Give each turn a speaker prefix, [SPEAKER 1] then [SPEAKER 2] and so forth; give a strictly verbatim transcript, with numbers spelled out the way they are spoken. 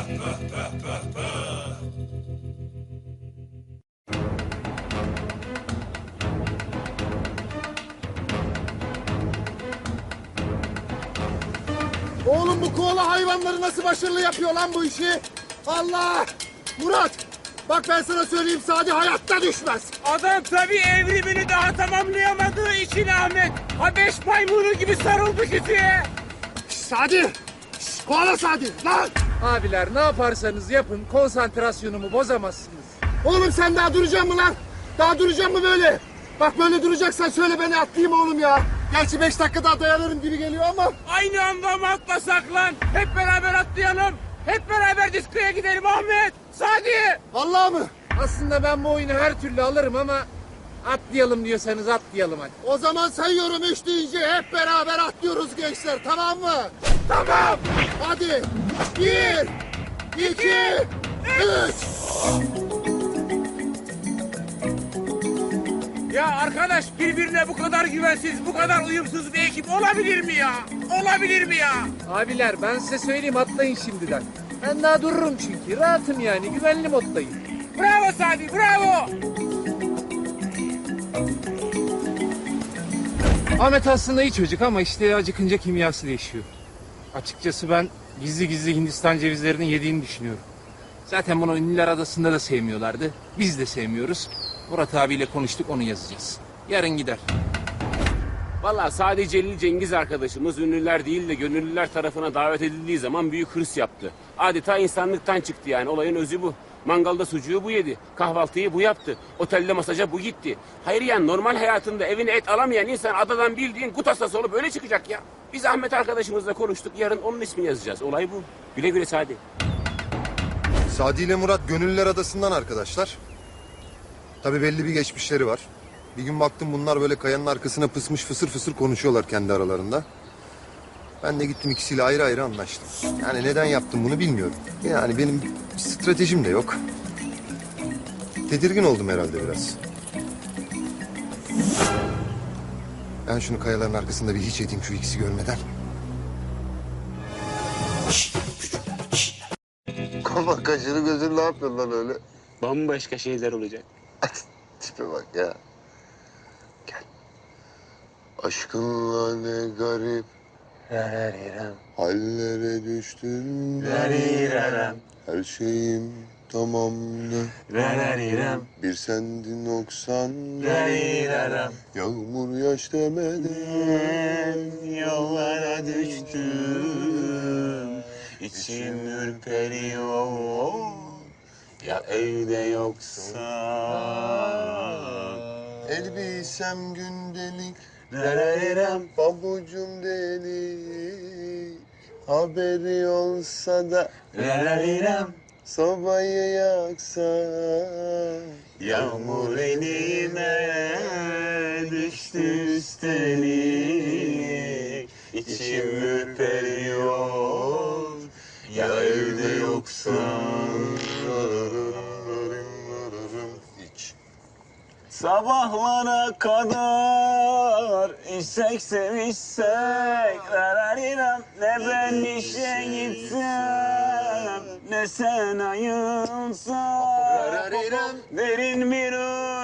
[SPEAKER 1] Oğlum bu koala hayvanları nasıl başarılı yapıyor lan bu işi? Allah! Murat! Bak ben sana söyleyeyim, Sadi hayatta düşmez.
[SPEAKER 2] Adam tabii evrimini daha tamamlayamadığı için Ahmet. Habeş maymunu gibi sarıldı kütüğe.
[SPEAKER 1] Şş, Sadi! Şş, koala Sadi! Lan!
[SPEAKER 3] Abiler ne yaparsanız yapın konsantrasyonumu bozamazsınız.
[SPEAKER 1] Oğlum sen daha duracaksın mı lan? Daha duracaksın mı böyle? Bak böyle duracaksan söyle, beni atlayayım oğlum ya. Gerçi beş dakika daha dayanırım gibi geliyor ama.
[SPEAKER 2] Aynı anda mı atlasak lan? Hep beraber atlayalım. Hep beraber diskoya gidelim Ahmet. Sadi.
[SPEAKER 1] Vallahi mı?
[SPEAKER 3] Aslında ben bu oyunu her türlü alırım ama atlayalım diyorsanız atlayalım hadi.
[SPEAKER 1] O zaman sayıyorum, üç deyince hep beraber atlıyoruz gençler, tamam mı?
[SPEAKER 2] Tamam.
[SPEAKER 1] Hadi. Bir, iki, üç.
[SPEAKER 2] Ya arkadaş, birbirine bu kadar güvensiz, bu kadar uyumsuz bir ekip olabilir mi ya? Olabilir mi ya?
[SPEAKER 3] Abiler ben size söyleyeyim atlayın şimdiden. Ben daha dururum çünkü rahatım yani güvenli moddayım.
[SPEAKER 2] Bravo Sadi, bravo.
[SPEAKER 3] Ahmet aslında iyi çocuk ama işte acıkınca kimyası değişiyor. Açıkçası ben gizli gizli Hindistan cevizlerini yediğini düşünüyorum. Zaten bunu Ünlüler Adası'nda da sevmiyorlardı. Biz de sevmiyoruz. Murat abiyle konuştuk, onu yazacağız. Yarın gider.
[SPEAKER 4] Vallahi sadece Celil Cengiz arkadaşımız ünlüler değil de gönüllüler tarafına davet edildiği zaman büyük hırs yaptı. Adeta insanlıktan çıktı yani, olayın özü bu. Mangalda sucuğu bu yedi, kahvaltıyı bu yaptı, otelde masaja bu gitti. Hayır yani normal hayatında evine et alamayan insan adadan bildiğin kut hastası olup öyle çıkacak ya. Biz Ahmet arkadaşımızla konuştuk, yarın onun ismini yazacağız. Olay bu. Güle güle Sadi.
[SPEAKER 5] Sadi ile Murat Gönüllüler Adası'ndan arkadaşlar. Tabii belli bir geçmişleri var. Bir gün baktım bunlar böyle kayanın arkasına pısmış fısır fısır konuşuyorlar kendi aralarında. Ben de gittim ikisiyle ayrı ayrı anlaştım. Yani neden yaptım bunu bilmiyorum. Yani benim stratejim de yok. Tedirgin oldum herhalde biraz. Ben şunu kayaların arkasında bir hiç edeyim şu ikisi görmeden.
[SPEAKER 6] Kafa kaşını gözünü ne yapıyorsun lan öyle?
[SPEAKER 4] Bambaşka şeyler olacak.
[SPEAKER 6] Tipe bak ya. Gel. Aşkınla ne garip hallere düştüm. Her şeyim tamamdı. Bir sendin noksan. Yağmur yaş demeden yollara düştüm. İçim ürperiyor. Ya evde yoksa. Elbisem gündelik. Pabucum delik. Haberi olsa da. Sobayı yaksa. Yağmur elime düştü üstelik. İçim ürperiyor. Ya evde yoksa.
[SPEAKER 5] Hiç.
[SPEAKER 4] Sabahlara kadar içsek sevişsek. Ne ben işe gitsem, ne sen ayılsan. Derin bir